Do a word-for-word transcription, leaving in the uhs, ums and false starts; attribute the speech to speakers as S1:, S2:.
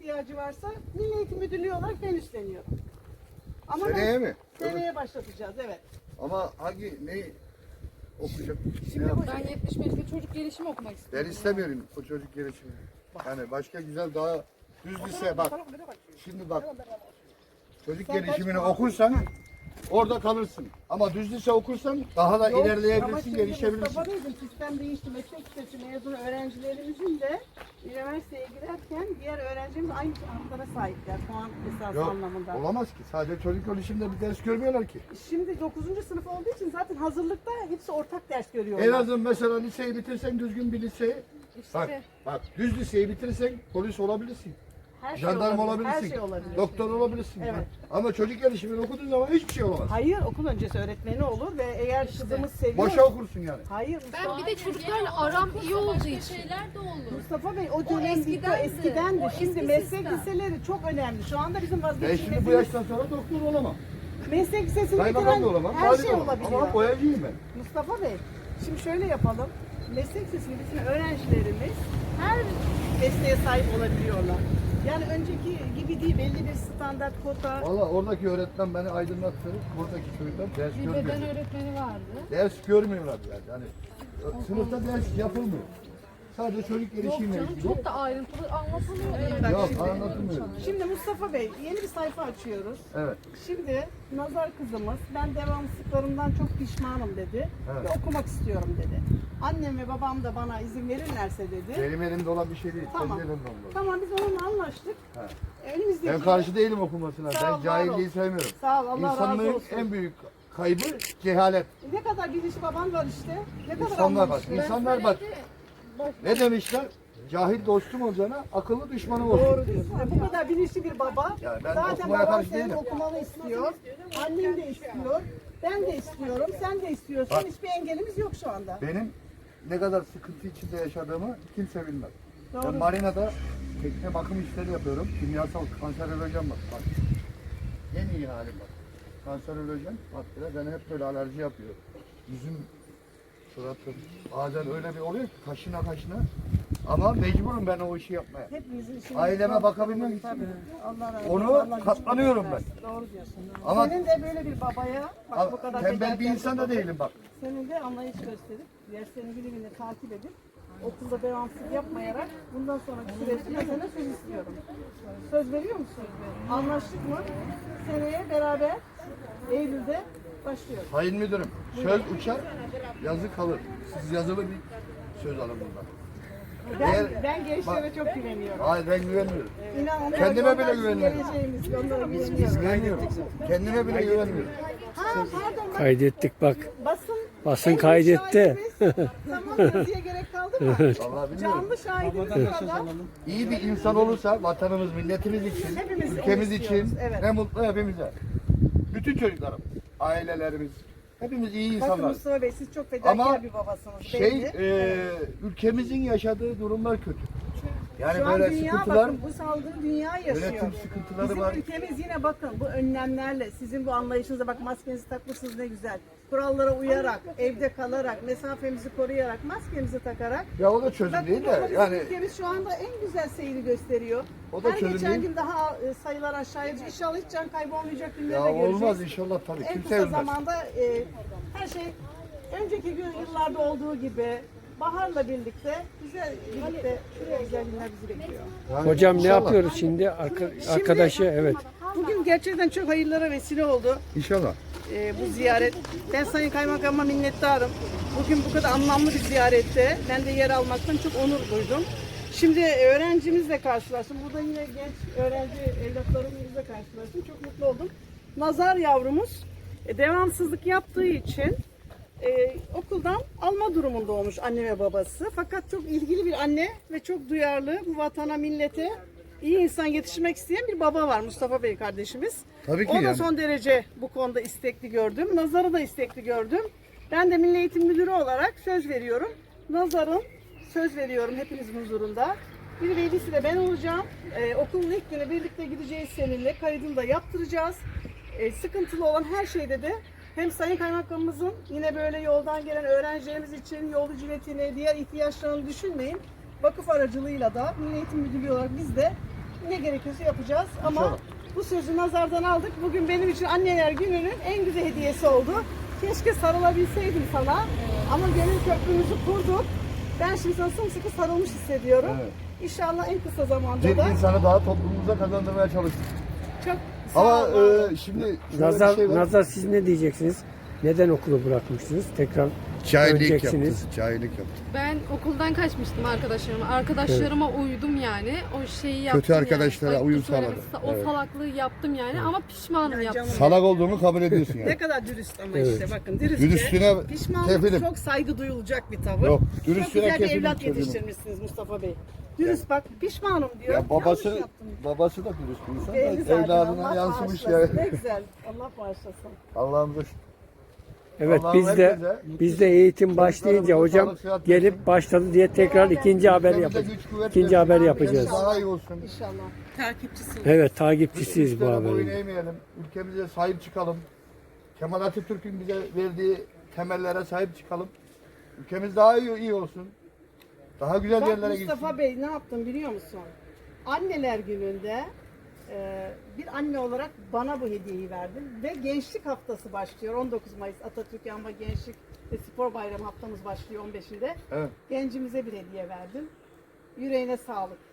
S1: ihtiyacı varsa Milli Eğitim Müdürlüğü olarak ben üstleniyorum. Ama
S2: Seneye
S1: ben,
S2: mi?
S1: Seneye başlatacağız, evet.
S2: Ama hangi, ne okuyacak?
S1: Şimdi
S2: Ne
S1: bu-
S2: yapacak?
S3: Ben yetmiş beşte çocuk gelişimi okumak istiyorum.
S2: Ben istemiyorum o çocuk gelişimi. Yani başka güzel daha düz lise bak. Şimdi bak. Çocuk gelişimini okursan orada kalırsın. Ama düz lise okursan daha da
S1: Yok, ama
S2: ilerleyebilirsin,
S1: şimdi
S2: gelişebilirsin.
S1: Mustafa Bey'im, sistem değişti. Meslek lisesi mezun öğrencilerimizin de üniversiteye girerken diğer öğrencimiz aynı haklara sahipler puan esası
S2: Yok,
S1: anlamında.
S2: olamaz ki. Sadece çocuk gelişiminde bir ders görmüyorlar ki.
S1: Şimdi dokuzuncu sınıf olduğu için zaten hazırlıkta hepsi ortak ders görüyorlar.
S2: En azından mesela liseyi bitirsen düzgün bir liseyi.
S3: İşte
S2: Bak, bak düz liseyi bitirsen polis olabilirsin.
S1: Her şey
S2: Jandarma
S1: olabilir,
S2: olabilirsin.
S1: Her şey olabilir.
S2: Doktor olabilirsin.
S1: Evet.
S2: Ama çocuk gelişimini okuduğun zaman hiçbir şey olamaz.
S1: Hayır, okul öncesi öğretmeni olur ve eğer kızımız seviyor.
S2: Boşa okursun yani.
S1: Hayır
S3: ben
S1: Mustafa,
S3: bir de çocuklarla aram iyi olduğu için.
S4: şeyler de olur.
S1: Mustafa Bey o dönem bitti,
S4: eskidendi.
S1: eskidendi.
S4: O
S1: Şimdi
S4: eski
S1: meslek
S4: sistem.
S1: liseleri çok önemli. Şu anda bizim
S2: Ben şimdi bu
S1: vazgeçilmezimiz
S2: yaştan sonra doktor olamam.
S1: meslek lisesini
S2: Kaymakam
S1: bitiren
S2: da olamam.
S1: her
S2: vali de
S1: şey
S2: olamam.
S1: olabiliyor.
S2: Ama boyacıyım ben.
S1: Mustafa Bey, şimdi şöyle yapalım. Meslek lisesini bitiren öğrencilerimiz her mesleğe sahip olabiliyorlar. Yani önceki gibi değil, belli bir standart kota.
S2: Valla oradaki öğretmen beni aydınlattı. Buradaki çocuklar ders
S3: Bir
S2: görmüyor.
S3: beden öğretmeni vardı.
S2: Ders görmüyorlar yani. yani sınıfta ders yapılmıyor. Sadece çocuk
S3: Yok
S2: gelişimiyle
S3: canım
S2: ilgili.
S3: çok da ayrıntılı anlatılıyor.
S1: Bak
S2: Yok
S1: şimdi-
S2: anlatılmıyor.
S1: Şimdi Mustafa Bey, yeni bir sayfa açıyoruz.
S2: Evet.
S1: Şimdi Nazar kızımız, ben devamsızlıklarımdan çok pişmanım dedi.
S2: Evet.
S1: Ve okumak istiyorum dedi. Annem ve babam da bana izin verirlerse dedi.
S2: Benim elimde olan bir şey değil.
S1: Tamam.
S2: Senin elinde olan.
S1: Tamam, biz onunla anlaştık.
S2: He.
S1: Önümüzdeki...
S2: Ben karşı değilim okumasına.
S1: Sağ ol,
S2: Ben
S1: var ol.
S2: cahilliği sevmiyorum.
S1: Sağ ol, Allah razı
S2: İnsanlığın
S1: olsun.
S2: en büyük kaybı cehalet.
S1: Ne kadar bilinçli baban var işte. Ne kadar
S2: İnsanlar bak.
S1: anlamışlı.
S2: İnsanlar bak. Ne demişler? Cahil dostum olacağına akıllı düşmanım olsun.
S1: Doğru diyorsun. Ve bu kadar bilinçli bir baba.
S2: Yani ben
S1: Zaten
S2: okumaya
S1: baban
S2: karşı
S1: senin
S2: değilim.
S1: okumanı istiyor. Annem de istiyor. Ben de istiyorum. Sen de istiyorsun.
S2: Bak.
S1: Hiçbir engelimiz yok şu anda.
S2: Benim ne kadar sıkıntı içinde yaşadığımı kimse bilmez.
S1: Doğru.
S2: Ben marinada tekne bakım işleri yapıyorum. Kimyasal kanserolojim var. Bak. En iyi halim bak. Kanserolojim maddeler beni hep böyle alerji yapıyor. Yüzüm, suratım. Bazen öyle bir oluyor ki kaşına kaşına. Ama mecburum ben o işi yapmaya.
S1: Hepimizin işimiz
S2: Aileme
S1: var.
S2: bakabilmek için.
S1: Tabii. Allah razı
S2: Onu
S1: olsun. Allah
S2: katlanıyorum
S1: gücünü versin. Doğru diyorsun.
S2: Ama-
S1: Senin de böyle bir babaya bak bu kadar
S2: Tembel bir
S1: fedakarlık
S2: insan da
S1: baba-
S2: değilim bak.
S1: Senin de anlayış gösterip derslerini bilimini takip edip okulda devamsızlık yapmayarak bundan sonraki süreçte ben sana söz istiyorum. Söz veriyor musun? Anlaştık mı? Seneye beraber Eylül'de başlıyoruz.
S2: Sayın müdürüm, söz uçar, yazı kalır. Siz yazılı bir söz alın bundan.
S1: Ben,
S2: Eğer-
S1: ben gençlere çok güveniyorum.
S2: Hayır ben güvenmiyorum.
S1: İnan onlar,
S2: Kendime
S1: onlar
S2: bile
S1: bizim
S2: güveniyorum.
S1: geleceğimiz, onlara güveniyorum.
S2: Güveniyorum. Kendime bile güvenmiyorum.
S1: Ha pardon bak,
S5: Kaydettik bak.
S1: basın,
S5: Basın
S1: en büyük
S5: kaydetti.
S1: şahidimiz. Tamam yazıya gerek kaldı mı?
S2: Vallahi bilmiyorum.
S1: Canlı şahidimiz burada.
S2: İyi bir insan olursa vatanımız, milletimiz için,
S1: Hepimiz
S2: ülkemiz
S1: onu
S2: için
S1: istiyoruz, evet.
S2: ne mutlu hepimize. Bütün çocuklarım, ailelerimiz, hepimiz iyi
S1: Bakın
S2: insanlar.
S1: Mustafa Bey siz çok fedakar
S2: Ama
S1: bir babasınız.
S2: Şey,
S1: belli.
S2: e, ülkemizin yaşadığı durumlar kötü. Yani
S1: Şu an
S2: böyle
S1: dünya
S2: sıkıntılar,
S1: bakın bu salgını dünya yaşıyor.
S2: yönetim sıkıntıları
S1: Bizim
S2: var.
S1: ülkemiz yine bakın bu önlemlerle sizin bu anlayışınıza bak maskenizi takmışsınız ne güzel. Kurallara uyarak, evde kalarak, mesafemizi koruyarak, maskemizi takarak.
S2: Ya o da çözüm
S1: Bak
S2: değil
S1: bu da
S2: de
S1: bizim
S2: yani
S1: ülkemiz şu anda en güzel seyri gösteriyor.
S2: O da
S1: Her
S2: çözüm
S1: geçen
S2: değil.
S1: gün daha e, sayılar aşağıya düşüyor. İnşallah hiç can kaybı olmayacak
S2: ya
S1: günleri de göreceğiz.
S2: olmaz inşallah tabii
S1: En
S2: kimse
S1: kısa
S2: bilmez.
S1: zamanda e, her şey önceki gün yıllarda olduğu gibi baharla birlikte güzel birlikte güzel günler bizi bekliyor.
S2: Yani
S5: Hocam ne
S2: inşallah.
S5: yapıyoruz şimdi? Arka- arkadaşı evet.
S1: Bugün gerçekten çok hayırlara vesile oldu
S2: İnşallah.
S1: e, bu ziyaret. Ben Sayın Kaymakam'a minnettarım. Bugün bu kadar anlamlı bir ziyarette ben de yer almaktan çok onur duydum. Şimdi öğrencimizle karşılaştım. Burada yine genç öğrenci evlatlarımızla karşılaştım. Çok mutlu oldum. Nazar yavrumuz e, devamsızlık yaptığı için e, okuldan alma durumunda olmuş anne ve babası. Fakat çok ilgili bir anne ve çok duyarlı bu vatana, millete iyi insan yetiştirmek isteyen bir baba var Mustafa Bey kardeşimiz.
S2: Tabii ki
S1: O da
S2: yani.
S1: son derece bu konuda istekli gördüm. Nazar'ı da istekli gördüm. Ben de Milli Eğitim Müdürü olarak söz veriyorum. Nazar'ın söz veriyorum hepinizin huzurunda. Bir velisi de ben olacağım. Ee, okulun ilk günü birlikte gideceğiz seninle. Kaydını da yaptıracağız. Ee, sıkıntılı olan her şeyde de hem Sayın Kaymakamımızın yine böyle yoldan gelen öğrencilerimiz için yol ücretini, diğer ihtiyaçlarını düşünmeyin. Vakıf aracılığıyla da Milli Eğitim Müdürlüğü olarak biz de ne gerekiyorsa yapacağız. Ama
S2: İnşallah.
S1: bu sözü nazardan aldık. Bugün benim için anneler gününün en güzel hediyesi oldu. Keşke sarılabilseydim sana. Ama gönül köprümüzü kurduk. Ben şimdi sana sımsıkı sarılmış hissediyorum.
S2: Evet.
S1: İnşallah en kısa zamanda
S2: Bir
S1: da
S2: insanı daha toplumumuza kazandırmaya çalıştık.
S1: çok sağ
S2: Ama
S1: ol.
S2: e, şimdi şöyle
S5: Nazar,
S2: bir şey var.
S5: Nazar siz ne diyeceksiniz? Neden okulu bırakmışsınız? Tekrar
S2: Cahillik
S5: döneceksiniz.
S2: yaptı. Cahillik yaptı.
S3: Ben okuldan kaçmıştım arkadaşlarıma. Arkadaşlarıma uydum yani. O şeyi yaptım
S2: Kötü arkadaşlara
S3: yani.
S2: uyum
S3: Ayıptır söylemesi,
S2: sağladı.
S3: O
S2: Evet.
S3: salaklığı yaptım yani ama pişmanım
S1: Ya
S3: yaptım.
S1: canım.
S2: Salak olduğunu kabul ediyorsun
S1: Ne
S2: yani.
S1: kadar dürüst ama
S5: Evet.
S1: işte bakın dürüstçe.
S2: Dürüstlüğüne
S1: Pişmanlık
S2: kefilim.
S1: çok saygı duyulacak bir tavır.
S2: Yok,
S1: Çok
S2: dürüstlüğüne
S1: güzel bir
S2: kefilim
S1: evlat
S2: çocuğum.
S1: yetiştirmişsiniz Mustafa Bey. Dürüst bak pişmanım diyor.
S2: Ya babası
S1: Yanlış yaptım.
S2: babası da dürüst bir insan.
S1: Belli
S2: da
S1: zaten,
S2: Evladına
S1: Allah
S2: yansımış
S1: bağışlasın.
S2: ya.
S1: Ne güzel. Allah bağışlasın.
S2: Allah'ımıza şükür.
S5: Evet
S2: Allah'ım
S5: biz de
S2: herkese
S5: biz de eğitim başlayınca hocam
S2: sağlık, sıhhat
S5: gelip
S2: versin.
S5: başladı diye tekrar ikinci haber
S2: Ülkemize
S5: yapacağız.
S2: güç, kuvvet
S5: İkinci
S2: versin.
S5: haber
S1: Amin.
S5: yapacağız.
S1: İnşallah.
S2: Daha iyi olsun.
S1: İnşallah. Takipçisi.
S5: Evet takipçisiyiz bu
S2: Ülkemize boyun
S5: haberin.
S2: eğmeyelim. Ülkemize sahip çıkalım. Kemal Atatürk'ün bize verdiği temellere sahip çıkalım. Ülkemiz daha iyi, iyi olsun. Daha güzel
S1: Bak
S2: yerlere gitsin.
S1: Mustafa Bey ne yaptım biliyor musun? Anneler gününde e, bir anne olarak bana bu hediyeyi verdin ve gençlik haftası başlıyor. on dokuz Mayıs Atatürk Yanma Gençlik ve Spor Bayramı haftamız başlıyor on beşinde.
S2: Evet.
S1: Gencimize bir hediye verdin. Yüreğine sağlık.